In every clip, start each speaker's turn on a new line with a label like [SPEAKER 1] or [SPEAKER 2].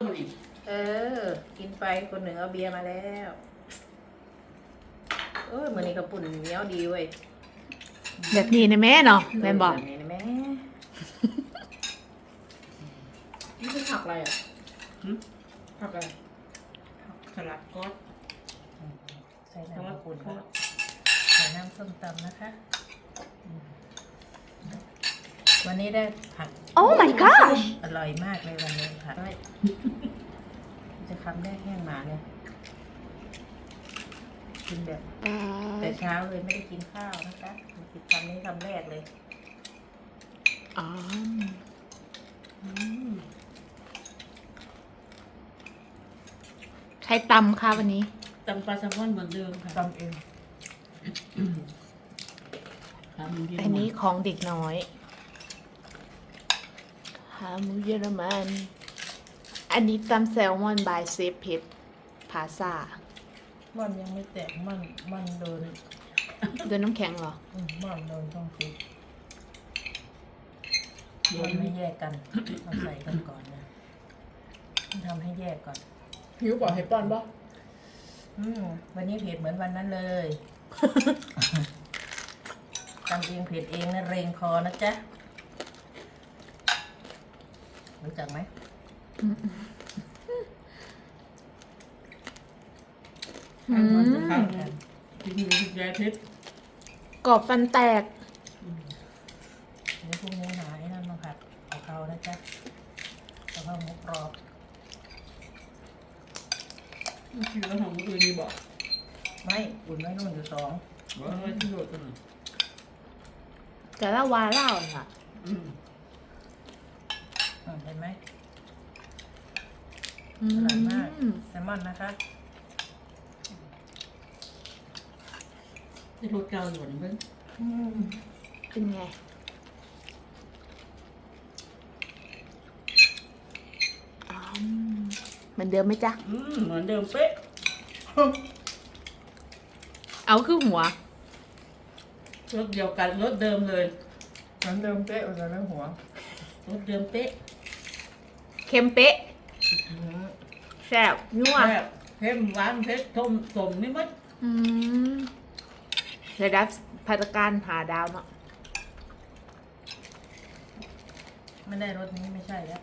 [SPEAKER 1] เออกินไปคนหนึ่งเอาเบียร์มาแล้วเออมื้อนี้กระปุ่นเหนียวดีเว้ย
[SPEAKER 2] แบบนี้นะแม่เนาะแม่บอก
[SPEAKER 1] แบบนี้นะแม่
[SPEAKER 3] นี่คือผักอะไรอ่ะผักอะไร
[SPEAKER 4] สลัดก็
[SPEAKER 1] ใส่น้ำกระปุ่นค่ะใส่น้ำส้มตำนะคะวันนี้ได้ผัก
[SPEAKER 2] โอ้ my gosh
[SPEAKER 1] อร่อยมากเลยวันนี้ผักจะคำแรกแห้งหมาเนี่ยกินแบบแต่เช้าเลยไม่ได้กินข้าวนะคะกินคำนี้คำแรกเลย
[SPEAKER 2] อ๋อใครตำคะวันนี้
[SPEAKER 4] ตำปลาแซลมอนเหมือนเดิมค่ะ
[SPEAKER 1] ตำเอง
[SPEAKER 2] อันนี้ของเด็กน้อยขาหมูเยอรมัน อันนี้ตำแซลมอนบายเซฟเพชรพาซา
[SPEAKER 1] มันยังไม่แตกมันโดน
[SPEAKER 2] โดนน้ำแข็งเหรอ
[SPEAKER 1] มันโดนต้องฟิตมันไม่แยกกันเราใส่กันก่อนนะทำให้แยกก่อน
[SPEAKER 3] หิวบ่ให้ป้อนบ่
[SPEAKER 1] วันนี้เผ็ดเหมือนวันนั้นเลยทำเองเผ็ดเองนะเรงคอนะจ๊ะรู้จักไหม
[SPEAKER 2] อืม
[SPEAKER 4] กินมียาทิพย์
[SPEAKER 2] กรอบฟันแตก
[SPEAKER 1] เดี๋ยวพรุ่งนี้หาไอ้นั่นมาผัดเอาเขานะจ๊ะเอาเข้าหมูกรอบ
[SPEAKER 4] กินแล้วของมืออื่นนี่บอก
[SPEAKER 1] ไม่อุ่นไว้นู่นอยู่สอง
[SPEAKER 4] ว่าไม่ที่โดดกัน
[SPEAKER 2] แต่ละวาเล่าค่ะ
[SPEAKER 1] เห็นไหม
[SPEAKER 2] อื
[SPEAKER 1] อร่อยมาก
[SPEAKER 2] ม
[SPEAKER 1] แซลมอนนะคะ
[SPEAKER 4] ที่รถเก่าอยู่นี่เพิ่ง
[SPEAKER 2] เป็นไงอ๋อเหมือนเดิมไหมจ๊ะ
[SPEAKER 4] เหมือนเดิมเป๊ะ
[SPEAKER 2] เอาคือหัว
[SPEAKER 4] รถเดียวกันรถเดิมเลย
[SPEAKER 1] น้ำเดิมเป๊ะอุ่นในหัว
[SPEAKER 4] รถเดิมเป๊ะ
[SPEAKER 2] เค็มเป๊ะแซ่บนัว
[SPEAKER 4] แซ่บเผ็ดหวานเผ็ดต้มสมไม่มัด
[SPEAKER 2] อืมระดับพัฒการหาดาวเนาะ
[SPEAKER 1] ไม่ได้รสนี้ไม่ใช่แล้ว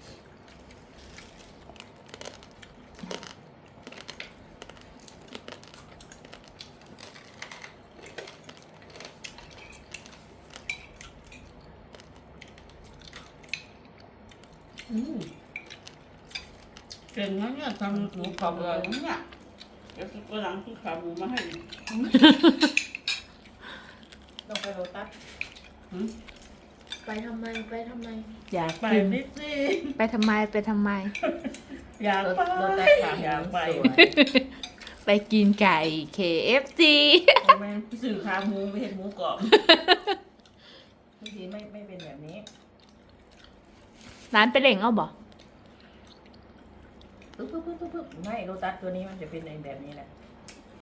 [SPEAKER 4] เก่งนะเนี่ยทำหมูกรอบเลยนะเนี่ยเดี๋ยววันหลังที่ขาหมูมาให้
[SPEAKER 1] ต้องไปโรตัส
[SPEAKER 3] ไปทำไมไปทำไม
[SPEAKER 2] อยาก
[SPEAKER 4] ไป
[SPEAKER 2] กิน
[SPEAKER 4] นิดสิ
[SPEAKER 2] ไปทำไมไปทำไม
[SPEAKER 4] อยากไป
[SPEAKER 1] โรตัสถาม
[SPEAKER 4] อยากไป
[SPEAKER 1] สวย
[SPEAKER 2] ไปกินไก่ KFC
[SPEAKER 4] แม่สื่อขาหมูไม่เห็นหมูกรอบ
[SPEAKER 1] บางทีไม่เป็นแบบนี้
[SPEAKER 2] ร้านไปเล่งเอาบ่
[SPEAKER 1] ปึ๊บไม่โรตัสตัวนี้มันจะเป็นในแบบนี้แหละ